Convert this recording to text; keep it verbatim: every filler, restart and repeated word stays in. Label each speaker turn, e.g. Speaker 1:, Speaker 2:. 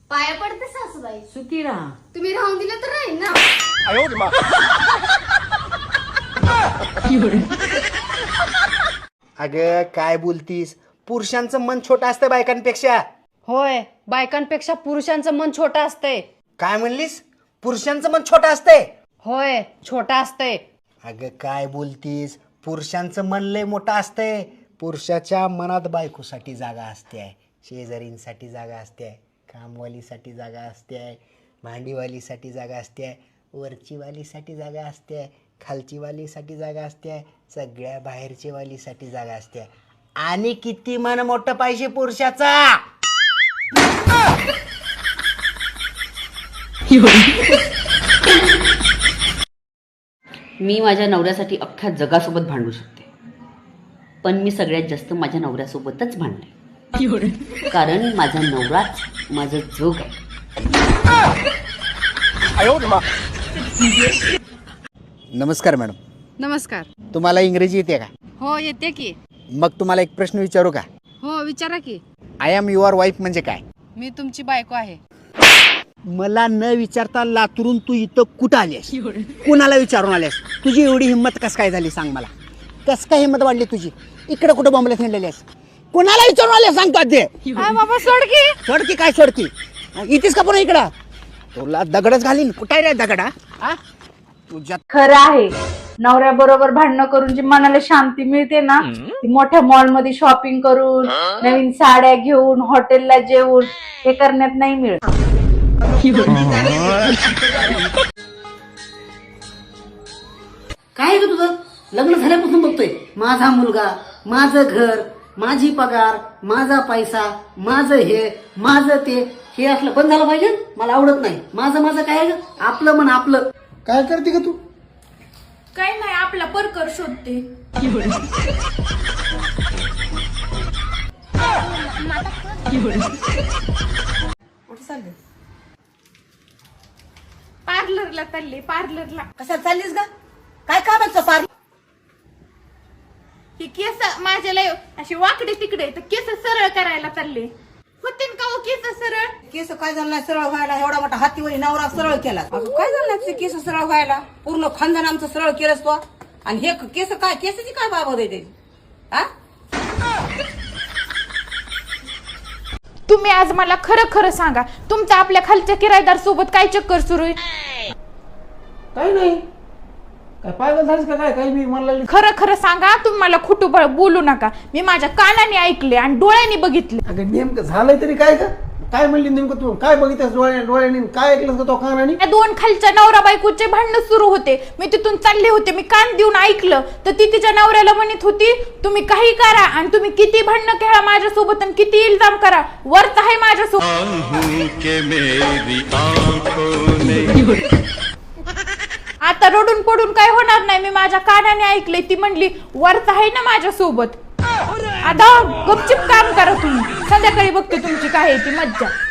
Speaker 1: पाया पडते सासूबाई.
Speaker 2: सुखी राहा.
Speaker 1: तुम्ही राहून दिलं तर राहील ना.
Speaker 3: अगं काय बोलतीस, पुरुषांचं मन छोटं असतं बायकांपेक्षा.
Speaker 2: होय, बायकांपेक्षा पुरुषांचं मन छोटं असतंय.
Speaker 3: काय म्हणलीस? पुरुषांचं मन छोटं असतंय?
Speaker 2: होय, छोटं असतंय.
Speaker 3: अगं काय बोलतीस, पुरुषांचं मन लय मोठं असतंय. पुरुषाच्या मनात बायकोसाठी जागा असते, शेजारींसाठी जागा असते, कामवालीसाठी जागा असते, भांडीवालीसाठी जागा असते, वरचीवालीसाठी जागा असते, खालची वालीसाठी जागा असते, सगळ्या बाहेरची वालीसाठी जागा असते. आणि किती मन मोठं पाहिजे पुरुषाचा.
Speaker 4: मी माझ्या नवऱ्यासाठी अख्ख्या जगासोबत भांडू शकते, पण मी सगळ्यात जास्त माझ्या नवऱ्यासोबतच भांडले, कारण माझा नवराच माझं जोग आहे.
Speaker 3: नमस्कार मॅडम.
Speaker 2: नमस्कार.
Speaker 3: तुम्हाला इंग्रजी येते का?
Speaker 2: हो, येते की.
Speaker 3: मग तुम्हाला एक प्रश्न विचारू का?
Speaker 2: हो, विचारा की.
Speaker 3: आय एम युअर वाईफ म्हणजे काय?
Speaker 2: मी तुमची बायको आहे.
Speaker 3: मला न विचारता लातूरून तू इथं कुठं आलीस? कुणाला विचारून आलीस? तुझी एवढी हिंमत कस काय झाली सांग मला. कस काय हिंमत वाढली तुझी? इकडे कुठं बॉम्बला थंडलेली आहेस? कुणाला विचारून आले सांग का ते?
Speaker 2: बाबा सोडकी.
Speaker 3: सोडकी काय सोडकी? इथेच का पुन्हा इकडं? तुला दगडच घालीन. कुठे रे दगडा? हा तुझ्या
Speaker 5: खरं आहे, नवऱ्या बरोबर भांडणं करून जी मनाला शांती मिळते ना, ती मोठ्या मॉल मध्ये शॉपिंग करून, नवीन साड्या घेऊन, हॉटेलला जेवून हे करण्यात नाही मिळत.
Speaker 4: काय ग तुझं? लग्न झाल्यापासून बघतोय माझा मुलगा, माझं घर, माझी पगार, माझा पैसा, माझं हे, माझं ते, हे असलं बंद झालं पाहिजे. मला आवडत नाही. माझं माझं काय ग? आपलं मन आपलं.
Speaker 3: काय करते का तू?
Speaker 1: काय नाही, आपला परकर शोधते. पार्लरला चालले. पार्लरला.
Speaker 6: कशा चाललीस ग? काय कामाचं पार?
Speaker 1: ही केस माझ्या लय अशी वाकडे तिकडे, तर केस सरळ करायला चालले. होतीन का हो केस सरळ?
Speaker 6: केस काय झालं नाही सरळ व्हायला? एवढा मोठा हातीवरी नवरा सरळ केला. अगं काय झालं नाही केस सरळ व्हायला? पूर्ण खानदान आमचं सरळ केलंस तो. आणि हे केस काय, केसाची काय बाबत आहे? हा,
Speaker 1: तुम्ही आज मला खरं खरं सांगा, तुमच्या आपल्या खालच्या किरायदार सोबत काय चक्कर सुरू आहे?
Speaker 7: काही नाही. काय पागल झालीस का काय? काही मी मला
Speaker 1: खरं खरं सांगा. तुम्ही मला खोटं ब- बोलू नका. मी माझ्या कानाने ऐकले आणि डोळ्यांनी बघितले.
Speaker 7: अगं नेमकं झालंय तरी काय का? काय म्हणली नेमकं तू? काय बघितलंस डोळ्या डोळ्याने? काय ऐकलंस का तो कानाने?
Speaker 1: या दोन खालच्या नवरा बायकोचे भांडणं सुरू होते. मी तिथून चालले होते, मी कान देऊन ऐकलं, तर ती तिच्या नवऱ्याला म्हणत होती, तुम्ही काही करा आणि तुम्ही किती भांडणं खेळा माझ्यासोबत आणि किती इल्जाम करा, वरच आहे माझ्यासोबत. आता रडून पडून काय होणार नाही. मी माझ्या कानाने ऐकले. ती म्हणली वरच आहे ना माझ्यासोबत. आता गपचिप काम करा तुम्ही. संध्याकाळी बघते तुमची काय आहे ती मज्जा.